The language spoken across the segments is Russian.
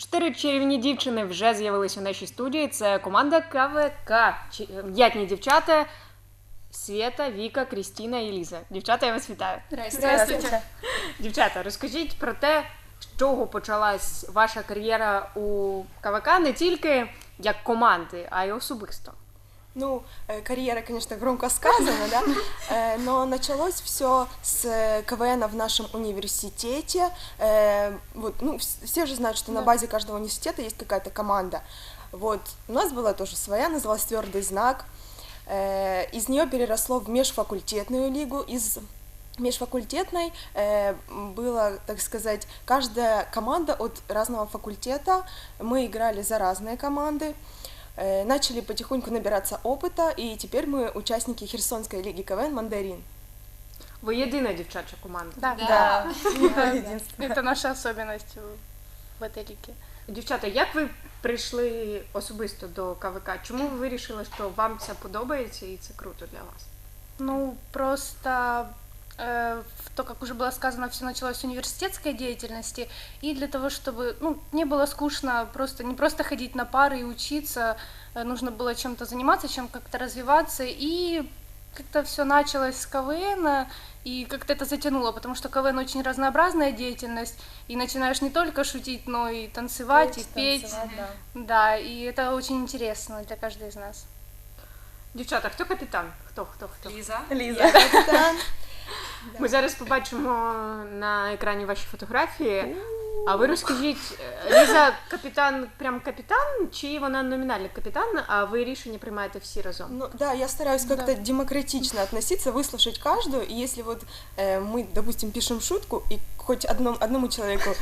4 чарівні дівчини вже з'явились у нашій студії. Це команда КВК. М'ятні дівчата Свєта, Віка, Крістіна і Ліза. Дівчата, я вас вітаю. Здравствуйте. Дівчата, розкажіть про те, з чого почалась ваша кар'єра у КВК не тільки як команди, а й особисто. Ну, карьера, конечно, громко сказано, да, но началось все с КВН в нашем университете. Вот, ну, все же знают, что на базе каждого университета есть какая-то команда. Вот, у нас была тоже своя, называлась «Твердый знак». Из нее переросло в межфакультетную лигу. Из межфакультетной было, так сказать, каждая команда от разного факультета. Мы играли за разные команды. Начали потихоньку набираться опыта, и теперь мы участники Херсонской лиги КВН «Мандарин». Ви єдина дівчача команда. Да. Это наша особенность в этой лиге. Дівчата, як ви прийшли особисто до КВК? Чому ви вирішили, що вам це подобається і це круто для вас? Ну, просто то, как уже было сказано, все началось с университетской деятельности, и для того, чтобы не было скучно, не просто ходить на пары и учиться, нужно было чем-то заниматься, чем как-то развиваться, и как-то все началось с КВН, и как-то это затянуло, потому что КВН очень разнообразная деятельность, и начинаешь не только шутить, но и танцевать, и петь. Да, и это очень интересно для каждой из нас. Дівчата, хто капітан? Хто? Лиза. Капитан. Ми зараз побачимо на екрані ваші фотографії. А ви розкажіть, Ліза капітан, прям капітан, чи вона номінальний капітан, а ви рішення приймаєте всі разом? Ну да, я стараюсь как-то демократично относиться, выслушать каждую, и если вот мы, допустим, пишем шутку, и хоть одному человеку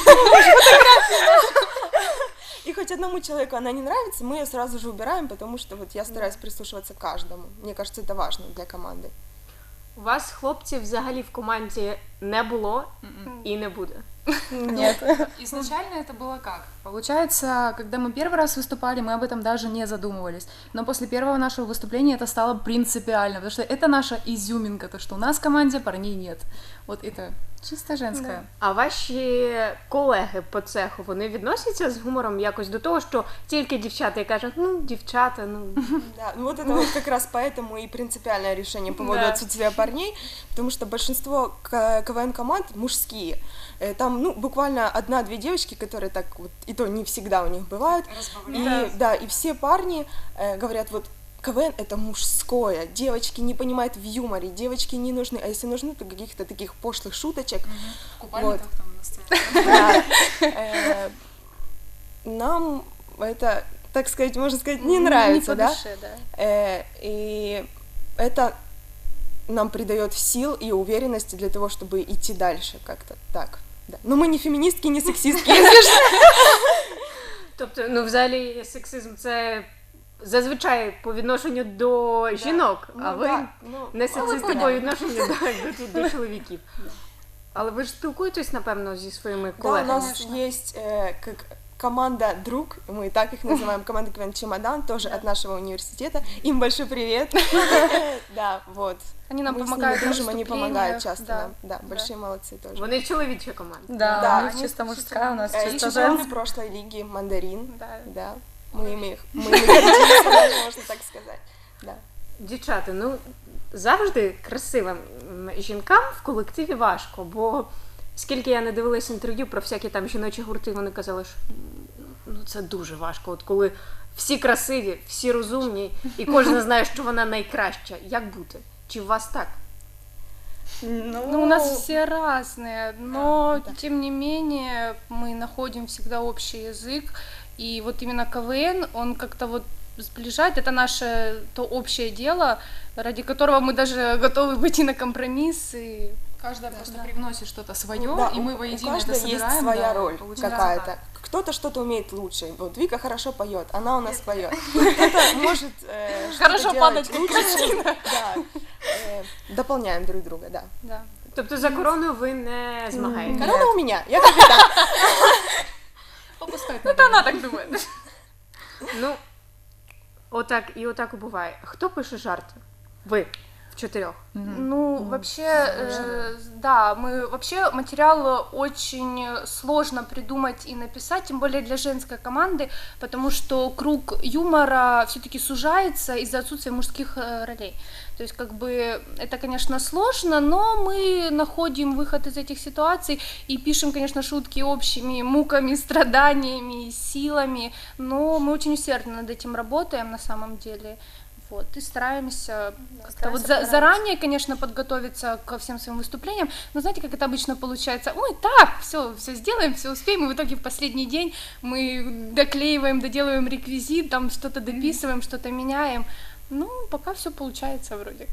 она не нравится, мы ее сразу же убираем, потому что вот я стараюсь прислушиваться к каждому. Мне кажется, это важно для команды. У вас, хлопців, взагалі в команді не було і не буде? Нет. Изначально это было как? Получается, когда мы первый раз выступали, мы об этом даже не задумывались. Но после первого нашего выступления это стало принципиально, потому что это наша изюминка, то, что у нас в команде парней нет. Вот это чисто женское. А ваші колеги по цеху, вони відносяться з гумором якось до того, що тільки дівчата і кажуть, дівчата, Да, ну вот это вот как раз поэтому и принципиальное решение по поводу отсутствия парней, потому что большинство КВН-команд мужские. Там, буквально 1-2 девочки, которые так вот, и то не всегда у них бывают. И все парни говорят, вот, КВН — это мужское, девочки не понимают в юморе, девочки не нужны, а если нужны, то каких-то таких пошлых шуточек. В купальниках там на сцене. Да. Нам это, так сказать, можно сказать, не нравится, не по душе, да. И это нам придает сил и уверенности для того, чтобы идти дальше как-то так. Да. Но мы не феминистки, не сексистки, если что. Тобто, взагалі, сексизм – це зазвичай по відношенню до жінок, а ви не сексисти по відношенню до чоловіків. Але ви ж спілкуєтесь, напевно, зі своїми колегами? Да, у нас есть как команда «Друг», мы так их называем, команда КВН «Чемодан», тоже от нашего университета. Им большой привет. Да, вот. Они нам Мы с помогают ними в дружим, они помогают выступлениях, часто да. нам. Да, большие молодцы тоже. Вони чоловіча команда. Да, у них они чисто мужская, у нас чисто Чемпион женская. с прошлой лиги «Мандарин». Да. Да. Мы ими гордимся, можно так сказать. Да. Дівчата, завжди красивим жінкам в колективі важко, бо скільки я не дивилась інтерв'ю про всякі там жіночі гурти, вони казали, що це дуже важко, от коли всі красиві, всі розумні, і кожен знає, що вона найкраща. Як бути? Чи у вас так? У нас все разные, но тем не менее мы находим всегда общий язык, и вот именно КВН, он как-то вот сближает, это наше то общее дело, ради которого мы даже готовы пойти на компромисс. И... Каждая просто привносит что-то свое, Да, и мы воедино у это каждой собираем. есть своя роль получается какая-то. так. Кто-то что-то умеет лучше. Вот Вика хорошо поет, она у нас поет. Кто-то может Хорошо что-то падать, делать лучше. Да. Дополняем друг друга, да. Да. Тобто за корону ви не змагаєте? Корона у меня, я капитан. Попускать Это она так думает. Отак і буває. Хто пише жарти? Ви. в 4. Ну, вообще, да, вообще материал очень сложно придумать и написать, тем более для женской команды, потому что круг юмора все-таки сужается из-за отсутствия мужских ролей. То есть, как бы, это, конечно, сложно, но мы находим выход из этих ситуаций и пишем, конечно, шутки общими муками, страданиями, силами, но мы очень усердно над этим работаем на самом деле. Вот, и стараемся как-то вот заранее, конечно, подготовиться ко всем своим выступлениям, но знаете, как это обычно получается? Ой, так, все сделаем, все успеем, и в итоге в последний день мы доклеиваем, доделываем реквизит, там что-то дописываем, что-то меняем. Ну, пока все получается вроде.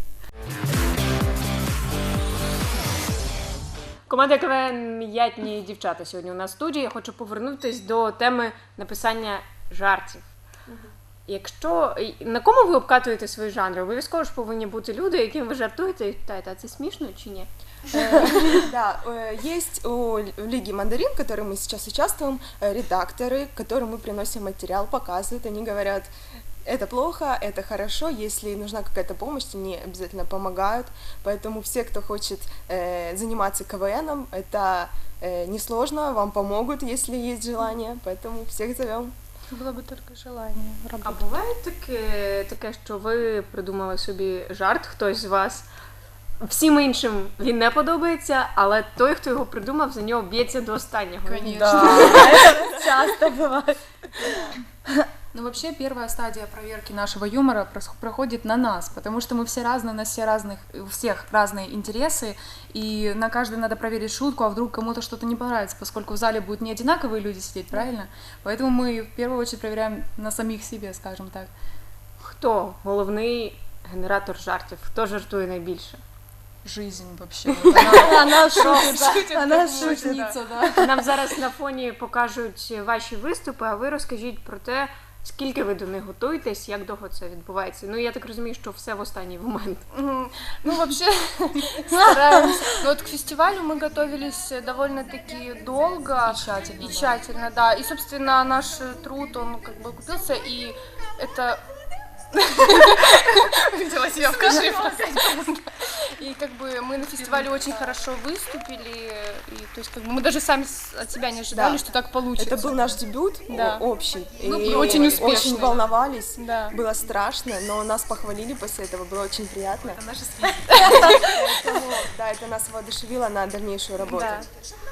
Команда КВН «М'ятні дівчата» сьогодні у нас в студії. Я хочу повернутись до теми написання жартів. Якщо на кому ви обкатуєте свої жанри? Обов'язково ж повинні бути люди, яким ви жартуєте і питаєте, а це смішно чи ні? Да, есть у Лиги Мандарин, в которой мы сейчас участвуем, редакторы, которым мы приносим материал, показывают, они говорят, это плохо, это хорошо, если нужна какая-то помощь, они обязательно помогают, поэтому все, кто хочет заниматься КВНом, это несложно, вам помогут, если есть желание, поэтому всех зовем. Было бы только желание А работать. буває таке, що ви придумали собі жарт, хтось з вас, всім іншим він не подобається, але той, хто його придумав, за нього б'ється до останнього. Конечно. Часто бывает. Ну, вообще, первая стадия проверки нашего юмора проходит на нас, потому что мы все разные, у нас у всех разные интересы, и на каждый надо проверить шутку, а вдруг кому-то что-то не понравится, поскольку в зале будут не одинаковые люди сидеть, правильно? Поэтому мы в первую очередь проверяем на самих себе, скажем так. Хто головний генератор жартів? Хто жартує найбільше? Жизнь вообще. Вот Она шутит, она шутит. шутница, да. Нам зараз на фоні покажуть ваші виступи, а ви розкажіть про те, скільки ви до них готуєтесь, як довго це відбувається. Ну, я так розумію, що все в останній момент. Ну, вообще, стараемся. Но вот к фестивалю мы готовились довольно-таки долго. И тщательно, И да. тщательно, да. И, собственно, наш труд, он как бы окупился, и это... Взяла себя в кашель. И как бы мы на фестивале очень хорошо выступили, и то есть как бы мы даже сами от себя не ожидали, Да. что так получится. Это был наш дебют Да. общий, Ну, и очень успешный. очень волновались, Да. было страшно, но нас похвалили после этого, было очень приятно. Это наши связи. Поэтому, да, это нас воодушевило на дальнейшую работу. Да.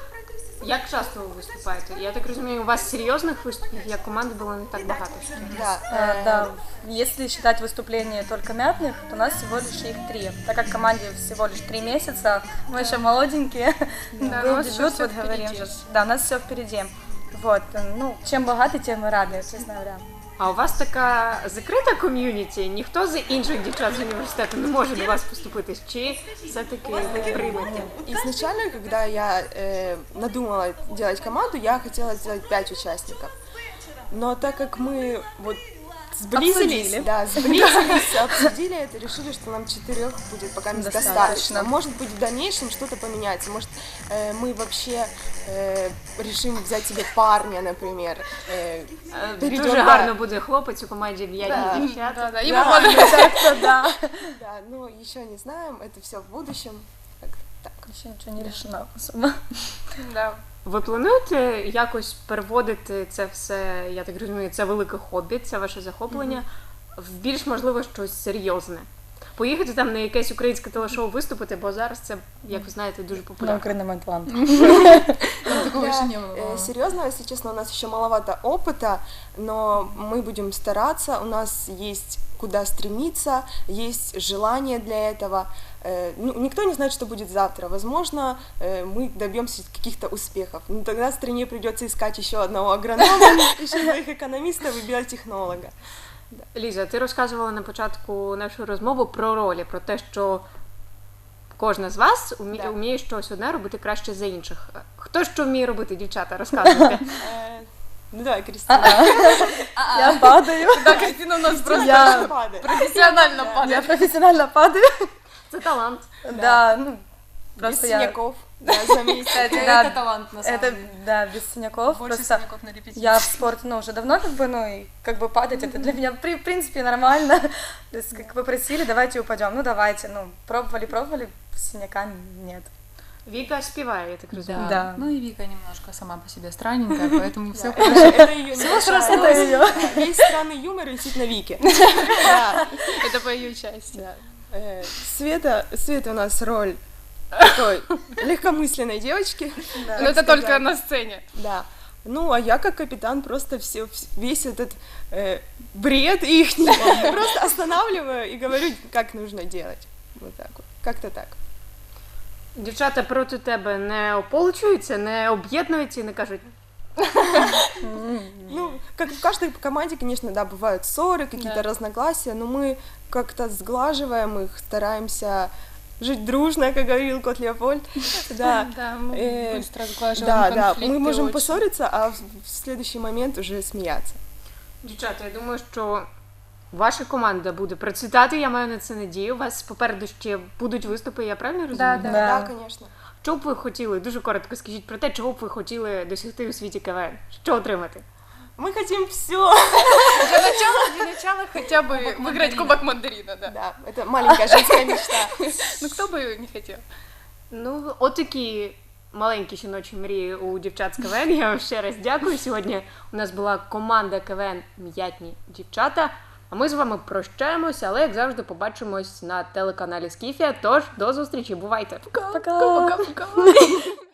Як часто ви виступаєте? Я так розумію, у вас серйозних виступів, як команди, було не так багато. Да, Да, если считать выступления только мятных, то у нас всего лишь их 3. Так как команде всего лишь 3 месяца, мы еще молоденькие, Да, у был нас ещё дебют, всё вот впереди. говорим же. Да, у нас все впереди. Вот, ну, чем богаты, тем мы рады, честно говоря. А у вас така закрита ком'юніті? Ніхто з інших дівчат з університету не може до вас поступитись? Чи все-таки ви приймете? Изначально, когда я надумала делать команду, я хотела сделать 5 участников. Но так как мы вот сблизились, обсудили это, решили, что нам 4 будет пока достаточно. Может быть, в дальнейшем что-то поменяется. Может, мы вообще решим взять себе парня, например. Перейдём, Дуже да. гарно буде хлопець у команді «М'ятні дівчата». Да, да, и Да. мы молодцы. Да. Да, но еще не знаем, это все в будущем. Так. Еще ничего не решено особо. Да. Ви плануєте якось переводити це все, я так розумію, це велике хобі, це ваше захоплення, в більш, можливо, щось серйозне? Поїхати там на якесь українське телешоу виступити, бо зараз це, як ви знаєте, дуже На популярно. Украином Атлант. Такого еще не было. Серьезно, если честно, у нас еще маловато опыта, но мы будем стараться, у нас есть куда стремиться, есть желание для этого. Ну, никто не знает, что будет завтра. Возможно, мы добьемся каких-то успехов. Но тогда стране придется искать еще одного агронома, еще 2 экономистов и биотехнолога. Ліза, ти розказувала на початку нашої розмови про ролі, про те, що кожна з вас вміє щось одне робити краще за інших. Хто що вміє робити, дівчата, розказуйте. Ну давай, Кристина. Я падаю. Да, Кристина у нас просто Я профессионально падает. профессионально падаю. Це талант. Да, ну, Без просто я... синяков. Да, за месяц. Кстати, Это да, талант, на самом это, деле. да, без синяков. Больше Просто синяков на репетиции. я в спорте, ну, уже давно, как бы, ну, и как бы падать, это для меня, в принципе, нормально. То есть, как вы просили, давайте упадем. Ну, давайте, ну, пробовали, синяка нет. Віка співає, я так розумію. Да. Да. Ну и Вика немножко сама по себе странненькая, поэтому все Это ее Это её. Весь странный юмор висит на Вике. Да. Это по ее части. Света у нас роль такой легкомысленной девочки. Но это только на сцене. Да. Ну, а я как капитан просто весь этот бред их просто останавливаю и говорю, как нужно делать. Вот так вот. Как-то так. Дівчата проти тебе не ополчуються, не об'єднуються і не кажуть, Ну, как в каждой команде, конечно, да, бывают ссоры, какие-то разногласия, но мы как-то сглаживаем их, стараемся жить дружно, как говорил кот Леопольд. Да, Да, мы быстро да, сглаживаем да, конфликты мы можем очень. поссориться, а в следующий момент уже смеяться. дівчата, я думаю, що ваша команда буде процвітати, я маю на це надію. У вас попереду ще будуть виступи, я правильно розумію? Да. Да, конечно. Що б ви хотіли, дуже коротко скажіть про те, чого б ви хотіли досягти у світі КВН? Що отримати? Мы хотим все. Для начала хотя бы выиграть кубок мандарина, да. Да, это маленькая женская мечта. Ну кто бы не хотел? Ну, отакі маленькі жіночі мрії у дівчат з КВН. Я вам ще раз дякую. Сьогодні у нас була команда КВН «М'ятні дівчата». А ми з вами прощаємося, але, як завжди, побачимось на телеканалі Скіфія. Тож, до зустрічі, бувайте! Пока. Пока-пока.